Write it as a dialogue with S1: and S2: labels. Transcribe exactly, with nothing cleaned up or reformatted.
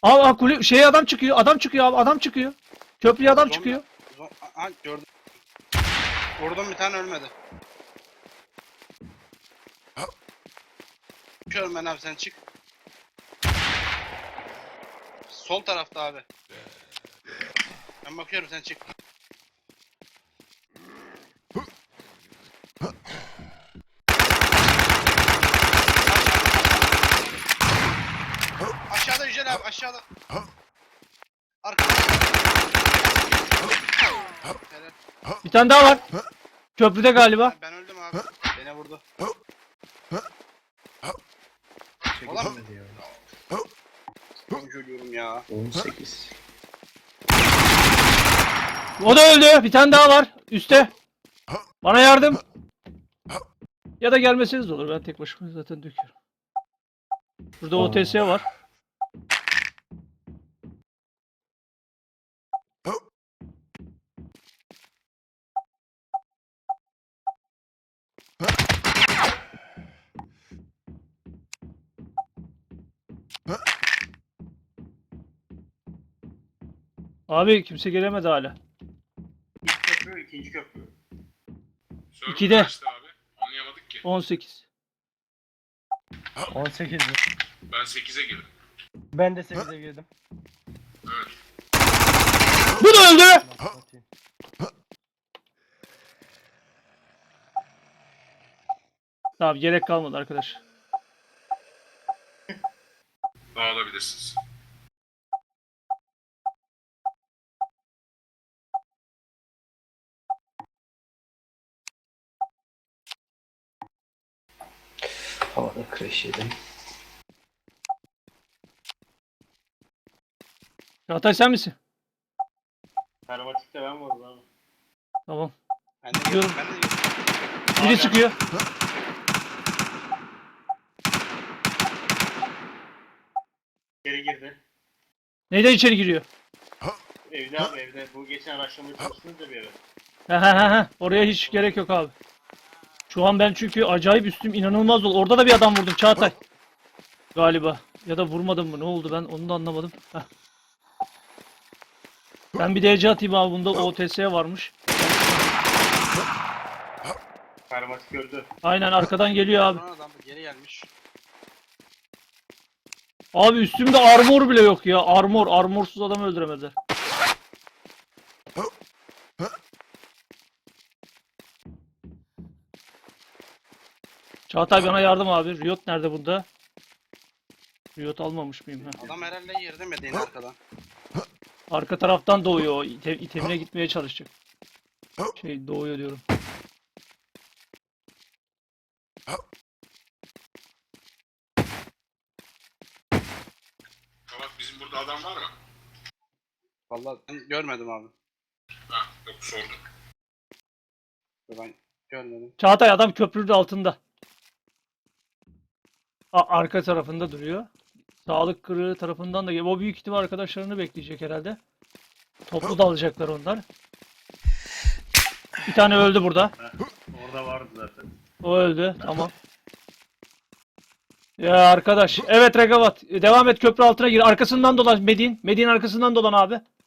S1: Aa, aa kule şey adam çıkıyor. Adam çıkıyor abi. Adam çıkıyor. Köprüye adam
S2: Zombi-
S1: çıkıyor.
S2: Zo- Aha gördüm. Vurdum bir tane ölmedi. Çıkıyorum ben abi sen çık. Sol tarafta abi. Ben bakıyorum sen çık. Aşağıda Yücel abi aşağıda. Arkada. Helal.
S1: Bir tane daha var. Köprüde galiba.
S2: Ben öldüm abi. Beni vurdu.
S3: Çekilmedi ya.
S2: Ben ölüyorum ya.
S3: on sekiz.
S1: O da öldü. Bir tane daha var. Üste. Bana yardım. Ya da gelmeseniz de olur. Ben tek başıma zaten döküyorum. Burada O T S var. Abi kimse gelemedi hala.
S4: İlk köprü, ikinci köprü.
S5: Server
S1: İkide.
S5: kaçtı abi? Anlayamadık ki.
S1: on sekiz.
S6: on sekiz mi?
S5: Ben sekize girdim.
S6: Ben de sekize girdim.
S5: Evet.
S1: Bu da öldü.
S6: Atayım.
S1: Tamam gerek kalmadı arkadaş.
S5: Dağılabilirsiniz.
S3: Havada crash yedim.
S1: Çağatay sen misin?
S4: Karmatikte ben vurdum abi.
S1: Tamam.
S2: Ben de
S1: Gidiyorum.
S2: gidiyorum. Ben de gidiyorum.
S1: Biri çıkıyor.
S4: İçeri girdi.
S1: Neyden içeri giriyor?
S4: Evde abi evde. Bu geçen araştırmaya çalıştınız da bir eve.
S1: He he he he. Oraya hiç gerek yok abi. Şu an ben çünkü acayip üstüm inanılmaz oldu. Orada da bir adam vurdum Çağatay. Galiba. Ya da vurmadım mı? Ne oldu ben onu da anlamadım. Heh. Ben bir D C atayım abi. Bunda O T S varmış.
S4: Karmatik öldü.
S1: Aynen arkadan geliyor abi.
S2: Sonra adam geri gelmiş.
S1: Abi üstümde armor bile yok ya. Armor. Armorsuz adamı öldüremezler. Çağatay bana yardım abi. Riot nerede burada? Riot almamış mıyım? Heh.
S2: Adam herhalde yerde Medine arkadan.
S1: Arka taraftan doğuyor o. İte, itemine gitmeye çalışacak. Şey doğuyor diyorum.
S5: Bak bizim burada adam var mı?
S2: Vallahi ben görmedim abi.
S5: Ha yok sordum.
S2: Ben görmedim.
S1: Çağatay adam köprünün altında. A arka tarafında duruyor. Sağlık kırığı tarafından da o büyük ihtimal arkadaşlarını bekleyecek herhalde. Toplu dalacaklar onlar. Bir tane öldü burada.
S4: Orada vardı zaten.
S1: O öldü. Tamam. Ya arkadaş. Evet Regavat. Devam et köprü altına gir. Arkasından dolan Medin. Medin arkasından dolan abi.